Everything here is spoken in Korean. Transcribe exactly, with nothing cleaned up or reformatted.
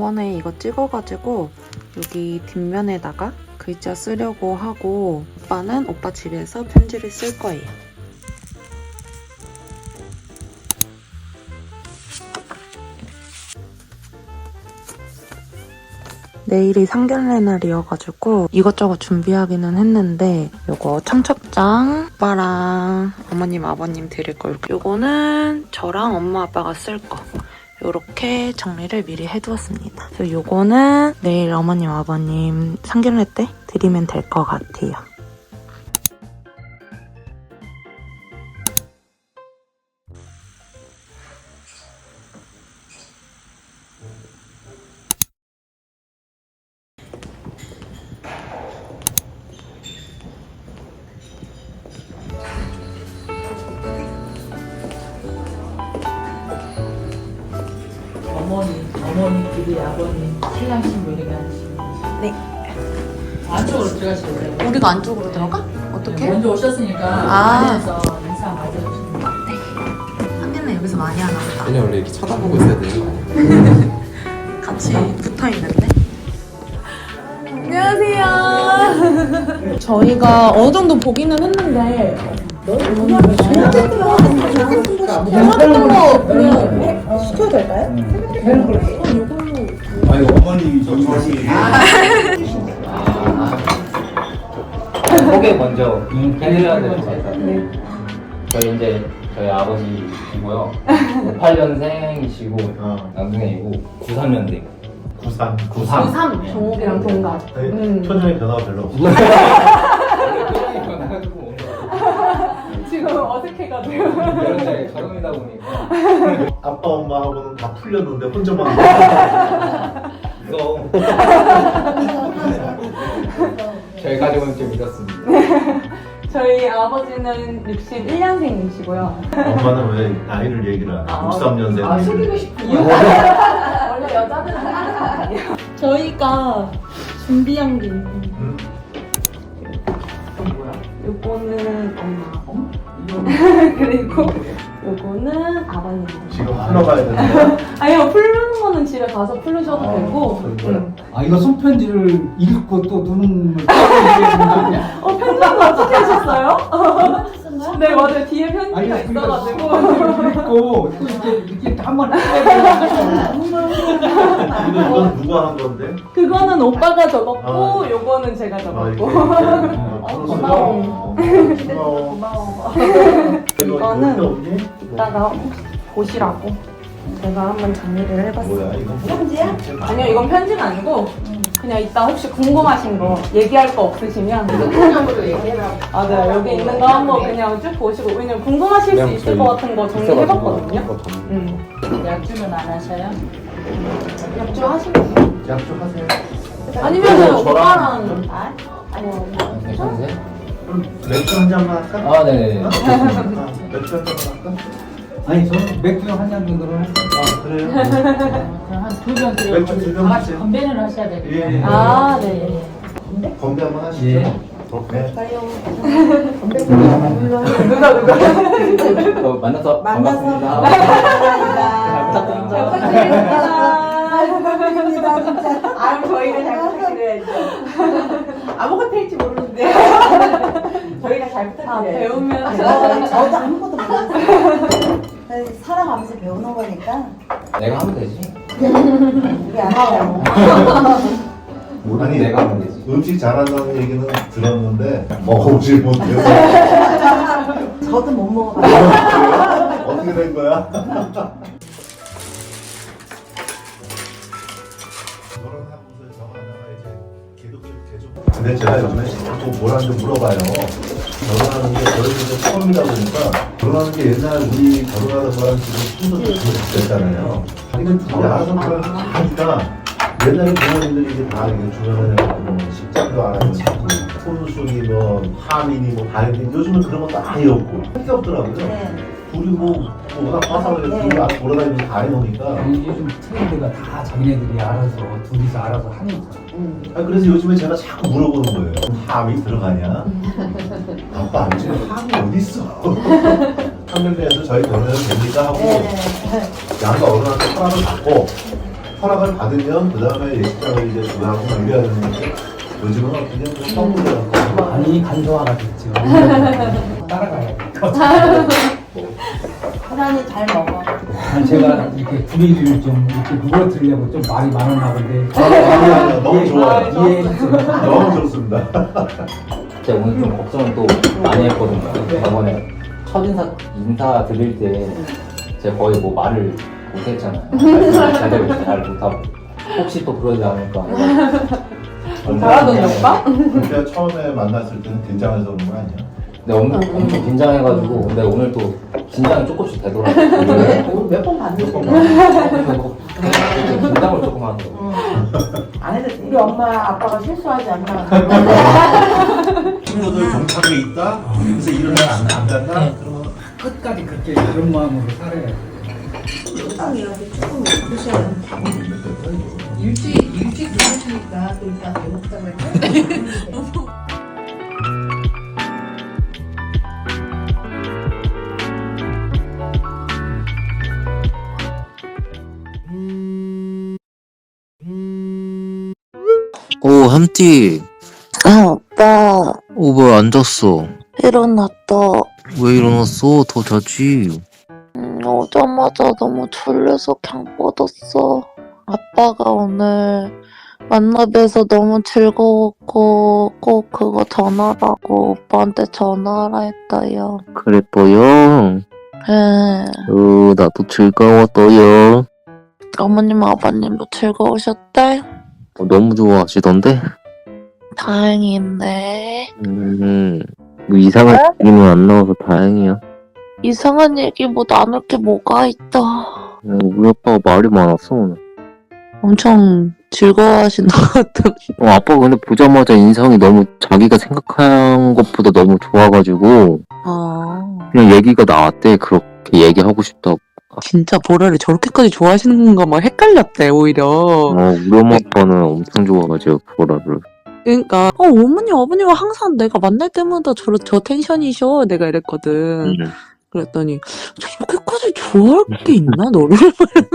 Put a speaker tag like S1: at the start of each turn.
S1: 저번에 이거 찍어가지고 여기 뒷면에다가 글자 쓰려고 하고 오빠는 오빠 집에서 편지를 쓸 거예요. 내일이 상견례 날이어가지고 이것저것 준비하기는 했는데 요거 청첩장 오빠랑 어머님 아버님 드릴 거 요거는 저랑 엄마 아빠가 쓸 거 요렇게 정리를 미리 해두었습니다. 그래서 요거는 내일 어머님 아버님 상견례 때 드리면 될 것 같아요.
S2: 어머니, 어머니끼리 아버님, 신랑 신부 이렇게 하시면
S1: 네.
S2: 안쪽으로 들어가시면 돼요.
S1: 우리가 안쪽으로 들어가? 어떻게?
S2: 먼저 오셨으니까
S1: 아.
S2: 안에서 인사 맞아주시면 돼요.
S1: 상견례 여기서 많이 하나 보다.
S3: 그냥 원래 이렇게 쳐다보고 있어야 돼요.
S1: 같이 붙어있는데? 안녕하세요. 저희가 어느 정도 보기는 했는데 잘못된 거 그냥 시켜도 될까요?
S4: 아니 어머니 저기 다시
S5: 소개 먼저 해드려야 될 것 같아요. 저희 이제 저희 아버지이고요. 오십팔 년생이시고 남동생이고 구십삼 년생.
S4: 구삼
S5: 구십삼.
S1: 구삼 종욱이랑 동갑. 음.
S4: 표정의 변화가 별로 없어.
S1: 지금 어색해가지고.
S5: 이제 결혼이다 보니까
S4: 아빠 엄마하고는 다 풀렸는데 혼자만.
S5: 이거 저희 가족은 좀 이렇습니다.
S1: 저희 아버지는 육십일 년생이시고요.
S4: 엄마는 왜 나이를 얘기를 안 해? 육십삼 년생.
S2: 아, 속이고 싶은
S1: 원래 여자들은 하는 거 아니에요? 저희가 준비한 게 있는데
S4: 응?
S2: 건 뭐야?
S1: 요거는 엄마
S2: 어?
S1: 그리고 요거는 아버님.
S4: 지금 풀러가야 되는데.
S1: 아니요, 풀는 거는 집에 가서 풀으셔도
S4: 아,
S1: 되고.
S4: 그런 거야?
S1: 응.
S6: 아 이거 손편지를 읽고 또 눈을 떠야
S1: 어, 편지는 어떻게 하셨어요? 네, 맞아요. 뒤에 편지가
S6: 아니
S1: 있어가지고.
S6: 읽고 또 이렇게 이렇게 한번 해야
S4: 이거 이건 누가 한 건데?
S1: 그거는 오빠가 적었고,
S4: 아.
S1: 요거는 제가
S4: 아 이렇게.
S1: 적었고.
S4: 어,
S1: 고마워.
S4: 고마워.
S1: 고마워.
S4: 이거
S1: 이거는
S4: 이거 없니?
S1: 이따가 보시라고 제가 한번 정리를 해봤어요.
S4: 뭐야 이거?
S1: 편지야? 아니요, 이건 편지가 아니고 그냥 이따 혹시 궁금하신 거 얘기할 거 없으시면
S2: 통장으로 얘기해라고.
S1: 맞아요, 여기 있는 거 한번 그냥 쭉 보시고, 왜냐면 궁금하실 수 있을 것 같은 거 정리해봤거든요. 음.
S2: 약주는 안 하셔요?
S1: 약주 하시면
S4: 약속하세요.
S1: 아니면은 오빠랑
S5: 괜찮으세요?
S4: 그럼 맥주 한 잔만 할까?
S5: 아, 네네.
S4: 아, 맥주 한 잔만 할까?
S6: 아니 저는 맥주 한 잔 정도로 할게요.
S4: 아 그래요?
S2: 그럼 한 두 병 드려요.
S4: 맥주 두병
S2: 다 같이
S4: 하세요.
S2: 건배는 하셔야
S4: 예.
S2: 되겠다.
S1: 아, 네.
S4: 건배 한번 하시죠.
S6: 예.
S4: 네.
S1: 누가 누가
S5: 또 만나서 반갑습니다. 잘 부탁드립니다.
S7: 부탁드립니다, 진짜.
S1: 아, 저희를 잘 부탁드려야죠.
S7: 아무것도 할지 모르는데. 저희가 잘
S1: 아,
S7: 부탁드려요.
S1: 배우면서
S7: 어, 저도 아무것도 몰랐어요. 살아가면서 배우는 거니까
S5: 내가 하면 되지.
S7: 우리 알아요.
S5: 모르는 내가 하면 되지.
S4: 음식 잘한다는 얘기는 들었는데 먹어보질 못해서
S7: 저도 못 먹어봐요.
S4: 어떻게 된 거야? 결혼하고서 저 하나가 이제 기독교 개종. 근데 제가 요즘에 자꾸 뭐라는지 물어봐요. 결혼하는 게 저희 집에 처음이다 보니까 결혼하는 게 옛날 우리 결혼하던 거랑 지금 순서도 됐잖아요. 자기는 둘이 알아서 그걸 하니까 옛날에 부모님들이 이제 다 이게 주변에 뭐 식장도 안 하고 자꾸 혼수니 뭐 하민이 뭐 다이니 요즘은 그런 것도 아예 없고 할게 없더라고요.
S7: 네.
S4: 둘이 뭐, 뭐 워낙 화사하게
S7: 네.
S4: 둘이 알아서 돌아다니면서 다 해놓으니까
S6: 아니, 요즘 트렌드가 다 자기네들이 알아서 둘이서 알아서 하니까.
S4: 아, 그래서 요즘에 제가 자꾸 물어보는 거예요. 함이 들어가냐? 아빠 아니 지금 함이 어디 있어? 한명대에서 저희 결혼해도 됩니까? 하고
S7: 네.
S4: 양가 어른한테 허락을 받고 허락을 받으면 그 다음에 예식장을 이제 조달하고 남겨야 되는 건데 요즘은 그냥 좀 떠물려갖고
S6: 많이 간소화가 됐죠. 따라가야 돼.
S7: 하나는 잘 먹어.
S6: 난 제가 이렇게 분위기를 좀 이렇게 누그러뜨리려고 좀 말이 많았나 본데.
S4: 아, 아니, 아니, 너무
S6: 이해-
S4: 좋아요.
S6: 이해해주세요.
S4: 너무 좋습니다.
S5: 제가 오늘 좀 걱정을 또 많이 했거든요. 저번에 첫 인사 인사 드릴 때 제가 거의 뭐 말을 못했잖아요. 말씀을 제대로 잘 못하고 혹시 또 그러지 않을까.
S2: 잘하던데 오빠?
S4: 그러니까 처음에 만났을 때는 긴장해서 그런 거 아니야?
S5: 근데 엄, 엄청 긴장해가지고 근데 오늘 또 긴장이 조금씩 되더라고요.
S7: 몇 번 봤는데.
S5: 긴장을 조금 하더라고요.
S7: 안 해도 돼. 우리 엄마 아빠가 실수하지 않나.
S4: 친구들 경찰에 있다? 그래서 일을 안, 안 간다? 그러면
S6: 끝까지 그렇게 그런 마음으로 살아야 돼.
S7: 조금 이렇게 조금 드셔야
S8: 일찍 일찍 들어오시니까 또 이따 배고프다고 했죠?
S9: 오, 함띠.
S1: 아, 오빠.
S9: 오, 왜 안 잤어?
S1: 일어났다.
S9: 왜 일어났어? 더 자지.
S1: 음, 오자마자 너무 졸려서 그냥 뻗었어. 아빠가 오늘 만나뵈서 너무 즐거웠고 꼭 그거 전하라고 오빠한테 전화하라 했다요.
S9: 그랬어요?
S1: 예.
S9: 어, 나도 즐거웠어요.
S1: 어머님 아버님도 즐거우셨대?
S9: 어, 너무 좋아하시던데?
S1: 다행이네.
S9: 음, 뭐 이상한 얘기는 안 나와서 다행이야.
S1: 이상한 얘기 뭐 나눌 게 뭐가 있다.
S9: 어, 우리 아빠가 말이 많았어, 오늘.
S1: 엄청 즐거워하시는 것 같아.
S9: 어, 아빠가 근데 보자마자 인상이 너무 자기가 생각한 것보다 너무 좋아가지고,
S1: 아,
S9: 그냥 얘기가 나왔대. 그렇게 얘기하고 싶다고.
S1: 진짜 보라를 저렇게까지 좋아하시는 건가 막 헷갈렸대 오히려.
S9: 어, 우리 엄마 아빠는 엄청 좋아하죠, 보라를.
S1: 그러니까 어 어머니 아버님은 항상 내가 만날 때마다 저, 저 텐션이셔 내가 이랬거든.
S9: 음.
S1: 그랬더니 저렇게까지 좋아할 게 있나 너를?